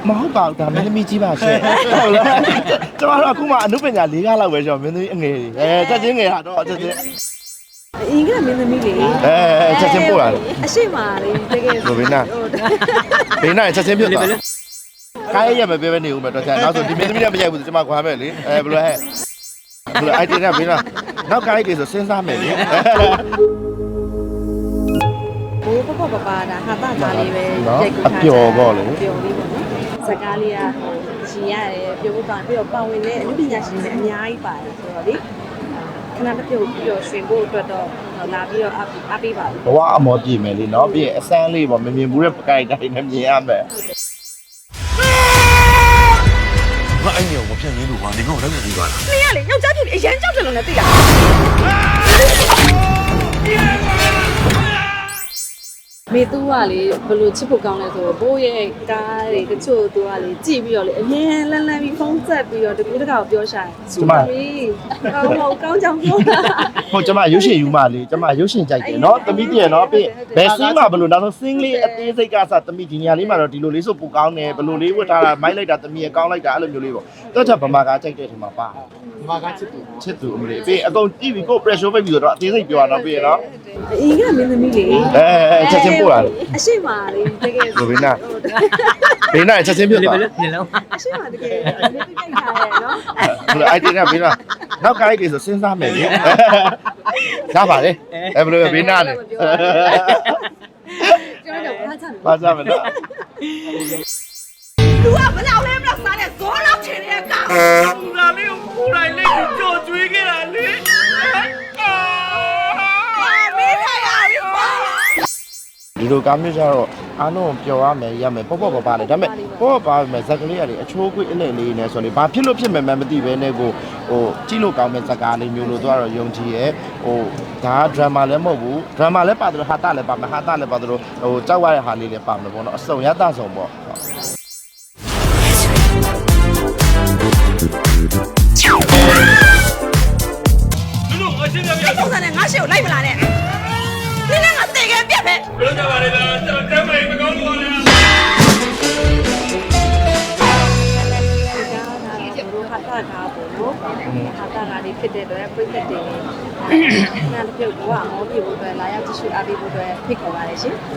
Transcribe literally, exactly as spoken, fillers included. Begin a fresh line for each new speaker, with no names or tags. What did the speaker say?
မဟုတ်ပါဘူးဒါမင်းသမီးကြီးပါရှင်ဟုတ်လားကျမတို့အခုမှအနုပညာ၄ကားလောက်ပဲကျွန်တော်မင်းသမီးအငယ်ကြီးအဲချက်ချင်းငယ်ဟာတော့ချက်ချင်း
အင်္ဂလိပ်မင်းသမီးလေ
အဲချက်ချင်းပို့ရတယ်
အရှိမလေးတကယ်
ဘယ်နာဘေးနာချက်ချင်းပြတ်သွားခိုင်းရမပေးပဲနေဦးမယ်တော့ချက်နောက်ဆိုဒီမင်းသမီးကမရိုက်ဘူးဆိုကျမခွာမယ်လေအဲဘယ်လိုဟဲ့ဘယ်လိုအိုက်တင်ကဘေးနာနောက်ကိုင်းတွေဆိုစဉ်းစားမယ်လေ
ဘိုးပပပပါတာဟာတာသားလေးပဲရိုက်ကူထား
အပျော်ပေါ့လေ
ပျော်လေးပေါ့နော်စကားလေးကရှင်ရတယ်ပြောဖို့ပါပြီးတော့ပါဝင်တဲ့အမှုပညာရှင်တွေအများကြီးပါတယ်ဆိုတော့လေခဏတစ်ပြုတ်ပြီးတော့ရွှင်ဖို့အတွက်တော့လာပြီးတော့အားပေးပါဘူး
ဘဝအမောပြည့်မယ်လေနော်ပြီးရင်အစမ်းလေးပေါ့မမြင်ဘူးတဲ့ပကိုက်တိုင်းနဲ့မြင်ရမယ်
ငါအဲ့ညောင်မဖြတ်ရင်းလို့ကွာနေငါ့ကိုလည်းမပြီးပါလား
။နေရလေယောက်ျားဖြစ်ပြီးအရန်ကြောက်တယ်လို့လည်းသိတာ။မေသူကလေဘလို့ချစ်ဖို့ကောင်းလဲဆိုတော့ဘိုးရဲ့ကားတွေတချို့သူကလေကြည့်ပြီးတော့လေအရင်လန်းလန်းပြီးဖုန်းဆက်ပြီးတော့တကူတကောက်ပြောရှာတယ်။ဟုတ်ပြီ။ကောင်းတော့ကောင်းကြောင်ပြောတာ
ဟုတ်ကျမရုပ်ရှင်ယူမလေးကျမရုပ်ရှင်ကြိုက်တယ်နော်သမီးတည်းနော်ပြီးဘယ်စင်းမှာဘလို့နောက်ဆုံးစင်းလေးအသေးစိတ်ကစသမီးဒီနေရာလေးမှာတော့ဒီလိုလေးဆိုပူကောင်းတယ်ဘလို့လေးဝတ်ထားတာမိုက်လိုက်တာသမီးရကောင်းလိုက်တာအဲ့လိုမျိုးလေးပေါ့တော့ချက်ဗမာကားကြိုက်တဲ့ထင်မှာပါဗမာကားချစ်သူချစ်သူအမလေးပြီးအကုန်ကြည့်ပြီးကို pressure ပိတ်ပြီးတော့အသေးစိတ်ပြောရတော့ပြီးရနော်
။အင်္ဂလိပ်မင်းသမီးလေ
အဲချက်ချင်းပို့ရတယ်
အရှိမလေးတကယ်
ဘယ်နာဘေးနာချက်ချင်းပြတ်သွား
မျက်လုံး
အရှိမတကယ်မင်းသိကြိုက်ထားရဲ့နော်
ဘယ်အိုက်တင်ကဘေးနာနောက်ကိုင်းတွေဆိုစဉ်းစားမယ်လေရပါလေအဲဘယ်လိုဘေးနာလဲ
ကျွန်တော်တို့ဘာချမ်း
ပါကြမယ်နော်
လူကဘလောက်လဲဘလောက်စားတဲ့ဇောလောက်ချင်တဲ့ကောင်
ပူလာလေးကိုပူလိုက်လေးကိုကြော်ကျွေးခဲ့တာလေ
မေးထားရပြီပေါ့
ဒီလိုကားမျိုးကြတော့အားလုံးပျော်ရမယ်ရမယ်ပေါ့ပေါ့ပါပါလေဒါပေမဲ့ပေါ့ပေါ့ပါမယ်ဇက်ကလေးရတယ်အချိုးကွေးအလဲလေးနဲ့ဆိုလေဘာဖြစ်လို့ဖြစ်မယ်မှမသိပဲနဲ့ကိုဟိုကြည့်လို့ကောင်းမဲ့ဇက်ကားလေးမျိုးလို့တော့ယုံကြည်ရဲ့ဟိုဒါဒရမာလည်းမဟုတ်ဘူးဒရမာလည်းပါတယ်ဟာတာလည်းပါမယ်ဟာတာလည်းပါတယ်ဟိုကြောက်ရတဲ့ဟာလေးလည်းပါမယ်ပေါ့နော်အစုံရတဆုံပေါ့
လူလူအချင်းပြပြ
ပုံစံနဲ့ငါရှေ့ကိုလိုက်မလာနဲ့နင်းလည်းငါတည်ခဲ့ပြက်ပဲ
ဘယ်လိုကြပါလဲလားကျွန်တော်တမ်းမမကောင်းလို့ပါလေ
ဒီကားဒါတော့ဘိုးဟာတာကားပေါ့နော်ဟာတာကားလေးဖြစ်တဲ့အတွက်ပြည့်တဲ့တင်နားပြုတ်ကအမောပြေဖို့အတွက်လာရောက်ကြည့်ရှုအားပေးဖို့အတွက်ဖိတ်ခေါ်ပါတယ်ရှင်